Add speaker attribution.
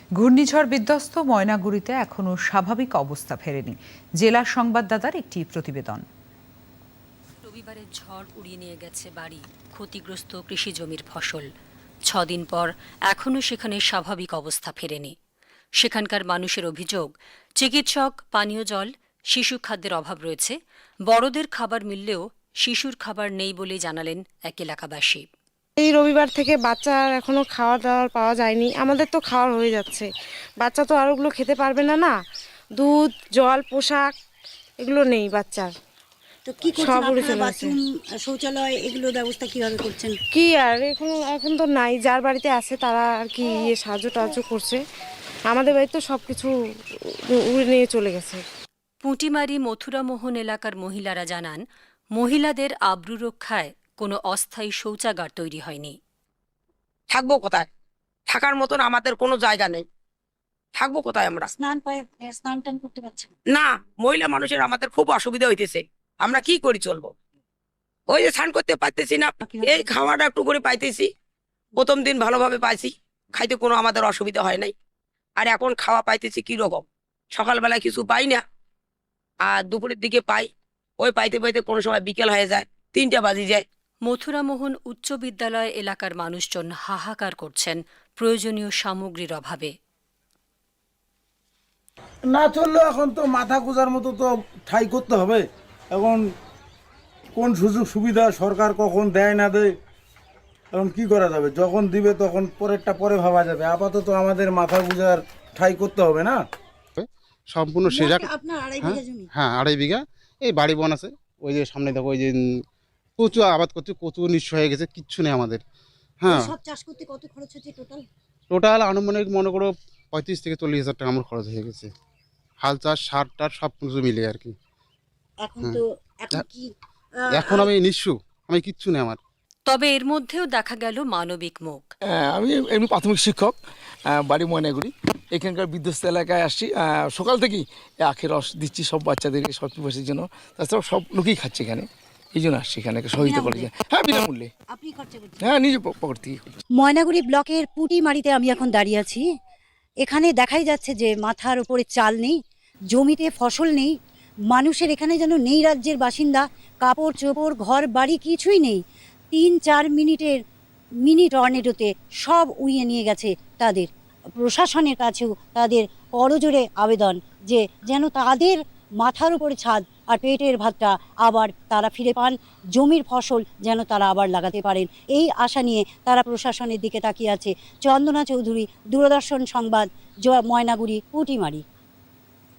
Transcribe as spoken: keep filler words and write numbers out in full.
Speaker 1: ঘূর্ণিঝড় বিধ্বস্ত ময়নাগুড়িতে এখনো স্বাভাবিক অবস্থা ফেরেনি। জেলা সংবাদদাতার একটি প্রতিবেদন।
Speaker 2: রবিবারের ঝড় উড়িয়ে নিয়ে গেছে বাড়ি, ক্ষতিগ্রস্ত কৃষি জমির ফসল। ছদিন পর এখনো সেখানে স্বাভাবিক অবস্থা ফেরেনি। সেখানকার মানুষের অভিযোগ, চিকিৎসক, পানীয় জল, শিশু খাদ্যের অভাব রয়েছে। বড়দের খাবার মিললেও শিশুর খাবার নেই বলেই জানালেন এক এলাকাবাসী।
Speaker 3: এই রবিবার থেকে বাচ্চার এখনো খাওয়া দাওয়ার পাওয়া যায়নি। আমাদের তো খাওয়া হয়ে যাচ্ছে, বাচ্চা তো আর ওগুলো খেতে পারবে না। না দুধ, জল, পোশাক এগুলো নেই বাচ্চার।
Speaker 4: তো কি করছেন আপনারা? বাথরুম, শৌচালয় এগুলোর ব্যবস্থা কিভাবে করছেন?
Speaker 3: কি আর এখন এখন তো নাই, যার বাড়িতে আছে তারা আর কি ইয়ে সাহায্য টাহায্য করছে। আমাদের বাড়িতে তো সব কিছু উড়ে নিয়ে চলে গেছে।
Speaker 2: পুঁটিমারি মথুরামোহন এলাকার মহিলারা জানান, মহিলাদের আব্রু রক্ষায় কোনো অস্থায়ী শৌচাগার তৈরি হয়নি।
Speaker 5: থাকবো কোথায়? থাকার মতন আমাদের কোনো জায়গা নেই। থাকবো কোথায় আমরা?
Speaker 4: স্নান পায় স্নান টান করতে পারছেন
Speaker 5: না, মহিলা মানুষের আমাদের খুব অসুবিধা হইতেছে। আমরা কি করি চলবো? ওই যে স্নান করতে পারতেছি না, এই খাওয়াটা একটু করে পাইতেছি। প্রথম দিন ভালোভাবে পাইছি, খাইতে কোনো আমাদের অসুবিধা হয় নাই। আর এখন খাওয়া পাইতেছি কি রকম, সকালবেলায় কিছু পাই না, আর দুপুরের দিকে পাই। ওই পাইতে পাইতে কোনো সময় বিকেল হয়ে যায়, তিনটা বাজি যায়।
Speaker 2: মথুরামোহন উচ্চ বিদ্যালয় এলাকার মানুষজন হাহাকার করছেন প্রয়োজনীয় সামগ্রীর অভাবে।
Speaker 6: না চললেও এখন তো মাথা গোঁজার মতো তো ঠাই করতে হবে। এখন কোন সুযোগ সুবিধা সরকার কখন দেয় না দেয়, এখন কি করা যাবে? যখন দিবে তখন পরেরটা পরে ভাবা যাবে। আপাতত আমাদের মাথা গোঁজার ঠাই করতে হবে না।
Speaker 7: সম্পূর্ণ সেজাক।
Speaker 4: আপনার আড়াই বিঘা জমি?
Speaker 7: হ্যাঁ, আড়াই বিঘা। এই বাড়ি বন আছে, ওই যে সামনে দেখো, ওই যে কচু আবাদ করছে, কচু নিঃস্ব হয়ে গেছে, কিচ্ছু নেই আমাদের। হ্যাঁ,
Speaker 4: সব চাষ করতে কত খরচ হচ্ছে টোটাল?
Speaker 7: টোটাল আনুমানিক মনে করো পঁয়ত্রিশ থেকে চল্লিশ হাজার টাকা আমার খরচ হয়ে গেছে। হাল চাষ, সার টার সব কিছু মিলে আর কি।
Speaker 4: এখন তো এখন কি
Speaker 7: এখন আমি নিঃস্ব, আমি কিচ্ছু নেই আমার।
Speaker 2: তবে এর মধ্যেও দেখা গেল মানবিক মুখ।
Speaker 8: আমি এমনি প্রাথমিক শিক্ষক, বাড়ি ময়নাগুড়ি। এখানকার বিধ্বস্ত এলাকায় আসছি, সকাল থেকেই আখের রস দিচ্ছি সব বাচ্চাদেরকে, সব পিপাসের জন্য। তাছাড়াও সব লোকেই খাচ্ছে এখানে, এই জন্য আসছি এখানে সহযোগিতা করে। হ্যাঁ, বিনামূল্যে।
Speaker 4: আপনি খরচা করছেন?
Speaker 8: হ্যাঁ, নিজে পকেট থেকে।
Speaker 4: ময়নাগুড়ি ব্লকের পুঁটিমারিতে আমি এখন দাঁড়িয়ে আছি। এখানে দেখাই যাচ্ছে যে মাথার উপরে চাল নেই, জমিতে ফসল নেই, মানুষের এখানে যেন নেই রাজ্যের বাসিন্দা। কাপড় চোপড়, ঘর বাড়ি কিছুই নেই। তিন চার মিনিটের মিনি টর্নেডোতে সব উড়িয়ে নিয়ে গেছে তাদের। প্রশাসনের কাছেও তাদের করজোড়ে আবেদন যে যেন তাদের মাথার উপরে ছাদ আর পেটের ভাতটা আবার তারা ফিরে পান, জমির ফসল যেন তারা আবার লাগাতে পারেন। এই আশা নিয়ে তারা প্রশাসনের দিকে তাকিয়ে আছে। চন্দনা চৌধুরী, দূরদর্শন সংবাদ, ময়নাগুড়ি, পুঁটিমারি।